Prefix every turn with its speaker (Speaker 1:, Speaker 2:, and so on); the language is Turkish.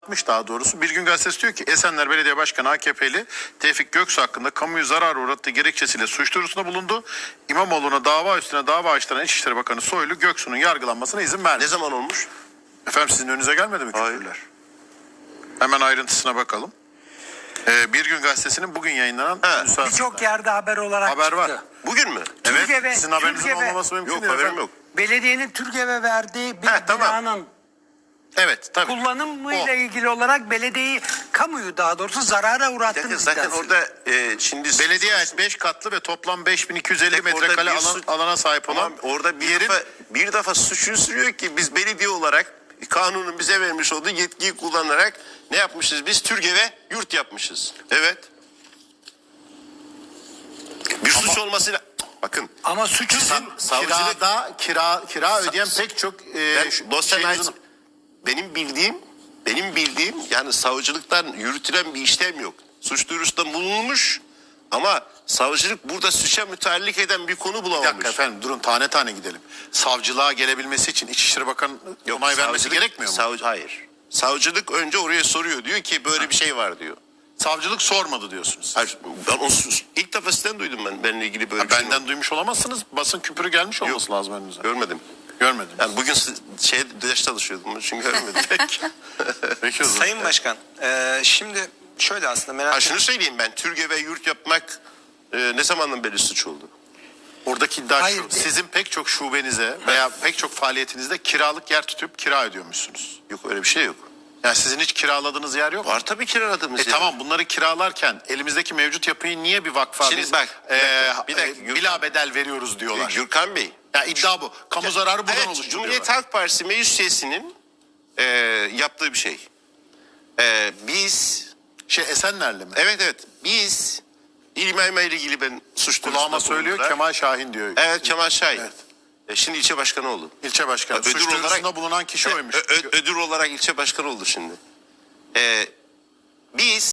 Speaker 1: Daha doğrusu Bir Gün Gazetesi diyor ki Esenler Belediye Başkanı AKP'li Tevfik Göksu hakkında kamuyu zarar uğrattığı gerekçesiyle suç duyurusunda bulundu. İmamoğlu'na dava üstüne dava açtıran İçişleri Bakanı Soylu Göksu'nun yargılanmasına izin verdi.
Speaker 2: Ne zaman olmuş?
Speaker 1: Efendim sizin önünüze gelmedi mi küfürler? Hemen ayrıntısına bakalım. Bir Gün Gazetesi'nin bugün yayınlanan
Speaker 3: birçok yerde haber olarak
Speaker 1: haber
Speaker 3: çıktı.
Speaker 1: var.
Speaker 2: Bugün mü?
Speaker 1: Evet.
Speaker 3: Türkiye ve-
Speaker 1: Sizin haberinizin
Speaker 3: Türkiye ve-
Speaker 1: olmaması mümkün
Speaker 2: Yok,
Speaker 1: değil
Speaker 2: haberim
Speaker 1: efendim.
Speaker 2: yok.
Speaker 3: Belediyenin Türkiye'ye verdiği bir
Speaker 2: tamam.
Speaker 3: binanın
Speaker 1: Evet tabii.
Speaker 3: kullanımıyla ilgili olarak belediyeyi, kamuyu daha doğrusu zarara uğrattığını
Speaker 2: Zaten
Speaker 3: iddiası.
Speaker 2: orada şimdi...
Speaker 1: Belediye ait 5 katlı ve toplam 5250
Speaker 2: Orada
Speaker 1: metrekare
Speaker 2: bir
Speaker 1: alana sahip olan
Speaker 2: orada
Speaker 1: yerin
Speaker 2: bir defa suçunu sürüyor ki biz belediye olarak kanunun bize vermiş olduğu yetkiyi kullanarak ne yapmışız? Biz Türgev'e yurt yapmışız. Evet. Bir suç olmasıyla... Bakın.
Speaker 3: Ama suçu
Speaker 1: kira ödeyen pek çok
Speaker 2: benim bildiğim yani savcılıktan yürütülen bir işlem yok. Suç duyurusunda bulunmuş ama savcılık burada suça müteallik eden bir konu
Speaker 1: Bir
Speaker 2: bulamamış.
Speaker 1: dakika efendim durun tane tane gidelim. Savcılığa gelebilmesi için İçişleri Bakanı onay vermesi gerekmiyor mu?
Speaker 2: Hayır. Savcılık önce oraya soruyor. Diyor ki böyle bir şey var diyor.
Speaker 1: Savcılık sormadı diyorsunuz.
Speaker 2: Hayır, ben onu ilk defa sizden duydum benimle ilgili böyle bir şey.
Speaker 1: Benden duymuş olamazsınız. Basın küpürü gelmiş olması lazım önünüze.
Speaker 2: Görmedim.
Speaker 1: Görmedim.
Speaker 2: Yani bugün ders çalışıyordum çünkü görmedim.
Speaker 1: Peki o zaman.
Speaker 4: Sayın Başkan, şimdi şöyle aslında merak
Speaker 2: Şunu söyleyeyim ben. Türgev'e yurt yapmak ne zamandan beri suç oldu?
Speaker 1: Oradaki iddia
Speaker 3: Hayır,
Speaker 1: şu. Sizin pek çok şubenize veya pek çok faaliyetinizde kiralık yer tutup kira ödüyormuşsunuz.
Speaker 2: Yok öyle bir şey yok.
Speaker 1: Yani sizin hiç kiraladığınız yer yok mu?
Speaker 2: Var tabii kiraladığımız yer.
Speaker 1: Tamam bunları kiralarken elimizdeki mevcut yapıyı niye bir vakfa
Speaker 2: Şimdi
Speaker 1: biz
Speaker 2: bak, bir dakika,
Speaker 1: bila bedel veriyoruz diyorlar.
Speaker 2: Gürkan Bey.
Speaker 1: Ya iddia bu. Kamu zararı buradan
Speaker 2: Evet,
Speaker 1: oluştu
Speaker 2: Cumhuriyet
Speaker 1: diyorlar.
Speaker 2: Halk Partisi meclis üyesinin yaptığı bir şey. Biz
Speaker 1: Esenler'le mi?
Speaker 2: evet biz İlmay ile ilgili ben suç
Speaker 1: Kulağıma
Speaker 2: duyurusunda
Speaker 1: söylüyor
Speaker 2: bulundular.
Speaker 1: Kemal Şahin diyor.
Speaker 2: Evet Kemal Şahin.
Speaker 1: Evet.
Speaker 2: Şimdi ilçe başkanı oldu.
Speaker 1: İlçe başkanı.
Speaker 2: Ödül
Speaker 1: Suç duyurusunda
Speaker 2: olarak-
Speaker 1: bulunan kişi oymuş.
Speaker 2: Ödül olarak ilçe başkanı oldu şimdi. Biz